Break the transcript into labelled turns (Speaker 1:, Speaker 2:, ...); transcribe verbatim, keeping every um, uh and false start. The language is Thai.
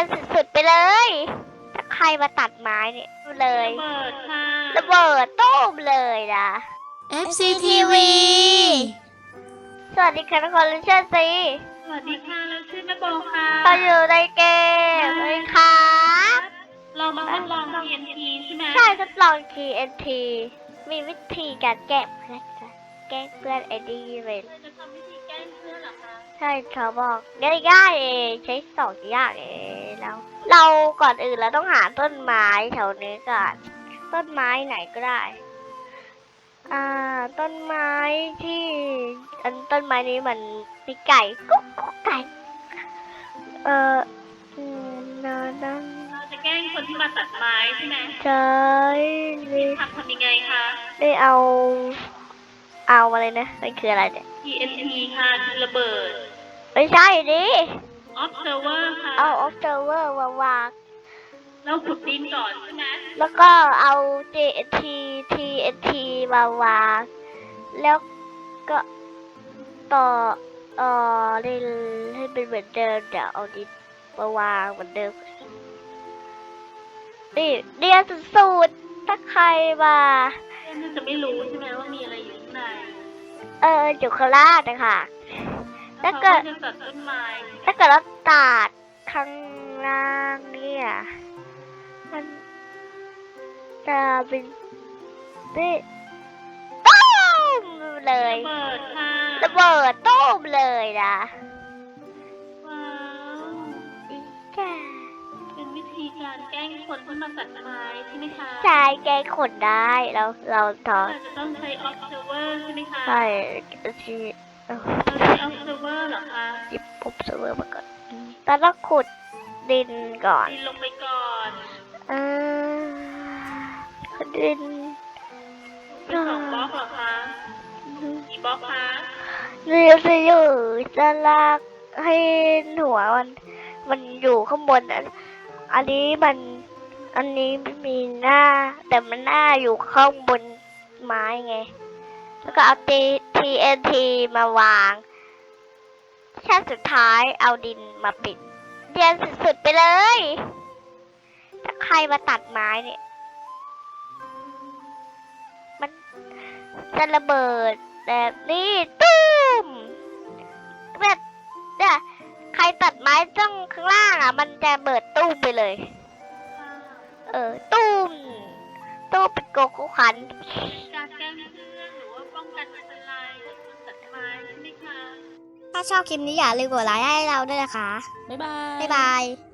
Speaker 1: นสุดๆไปเลยถ้าใครมาตัดไม้เนี่ยเลย
Speaker 2: ระเบิดค่ะ
Speaker 1: ระเบิดตุ้มเลยนะ
Speaker 3: เอฟ ซี ที วี
Speaker 1: สวัสดีค่ะทุกคนลิเชอร์ซี
Speaker 2: สวัสดีค่ะเราชื่อแม่โบค่ะ
Speaker 1: เราอยู่ในเกมเลยครับ
Speaker 2: เรามาทดลอง ที เอ็น ที ใช่ไหม
Speaker 1: ใช่ทดลอง ที เอ็น ที มีวิธีการแก้เพื่อนจ้ะแก้เพื่อนไอดีเลย
Speaker 2: เราจะทำวิธีแกล้งเพื่อนเหรอคะ
Speaker 1: ใช่เขาบอกง่ายๆเองใช้สองอย่างเองแล้วเราก่อนอื่นเราต้องหาต้นไม้แถวนี้ก่อนต้นไม้ไหนก็ได้อ่าต้นไม้ที่อันต้นไม้นี้มันมีไก่กุ๊กกุ๊กไก่เอออืมนะนั่น
Speaker 2: เราจะแกล้งคนที่มาตัดไม้ใช่ไหม
Speaker 1: ใช่นี่
Speaker 2: ทำทำยังไงคะ
Speaker 1: ได้เอาเอาอะไรนะมันคืออะไรเนี่ย
Speaker 2: ที เอ็น ที ค่ะคือระเบิด
Speaker 1: ไม่ใช่ดิ
Speaker 2: observer ค่ะ
Speaker 1: เอา observer มาวาง
Speaker 2: เราขุดดินก่อนใช่ไหม
Speaker 1: แล้วก็เอา ที เอ็น ที ที เอ็น ที มาวางแล้วก็ต่อเอ่อให้ให้เป็นเหมือนเดิมเดี๋ยวเอาดินมาวางเหมือนเดิมนี่เรียนสูตรถ้าใครมา
Speaker 2: เพื่อนจะไม่รู้ใช่ไหมว่ามีอะไรอยู่ข้างใน
Speaker 1: เอออยู่ข้างล่างนะคะถ้า
Speaker 2: เขา
Speaker 1: เกิด
Speaker 2: จะตัดต้นไม้
Speaker 1: ถ้าเกิดเราตัดข้างล่างเนี่ยมันจะเป็นนี่ตุ้มเลย
Speaker 2: ระเบิดค่ะ
Speaker 1: ระเบิดตุ้มเลยนะ
Speaker 2: ว้าว
Speaker 1: อีจ้า
Speaker 2: เป็นวิธีการแกล้งคนที่มาตัดไม้ใช่ไหมคะ
Speaker 1: ใช่แกงขนได้เราเราถอ
Speaker 2: เรา
Speaker 1: ด
Speaker 2: จะต้องใช้ observer ใช่ไหมคะ
Speaker 1: ใช่ที่เอา
Speaker 2: เราใช้ observer เหรอคะ
Speaker 1: หยิบปุ๊บเสมอมาก่อนแต่ต้องขุดดินก่อน
Speaker 2: ดินลงไปก่อน
Speaker 1: เออขุดดิน
Speaker 2: เป็นสองบล็อกเหรอคะกี่บล็อกคะ
Speaker 1: เรียจะอยู่จะลากให้หัวมันมันอยู่ข้างบนอันอันนี้มันอันนี้ไม่มีหน้า แต่มันหน้าอยู่ข้างบนไม้ไง แล้วก็เอา ที เอ็น ที มาวางชั้นสุดท้ายเอาดินมาปิดเรียนสุดๆไปเลย ถ้าใครมาตัดไม้เนี่ย มันจะระเบิดแบบนี้ตุ้มแบบเนี่ยใครตัดไม้จ้องข้างล่างอ่ะ มันจะเบิดตุ้มไปเลย เออ ตุ้มตุ้มเป็นโกโก้คัน
Speaker 2: การแกล้งเพื่อนหรือว่าป้องกันอันตรายจากคนตัดไม้ใช่ไหมคะ
Speaker 3: ถ้าชอบคลิปนี้อย่าลืมกดไลค์ให้เราด้วยนะคะ
Speaker 4: บ๊ายบาย
Speaker 3: บ๊ายบาย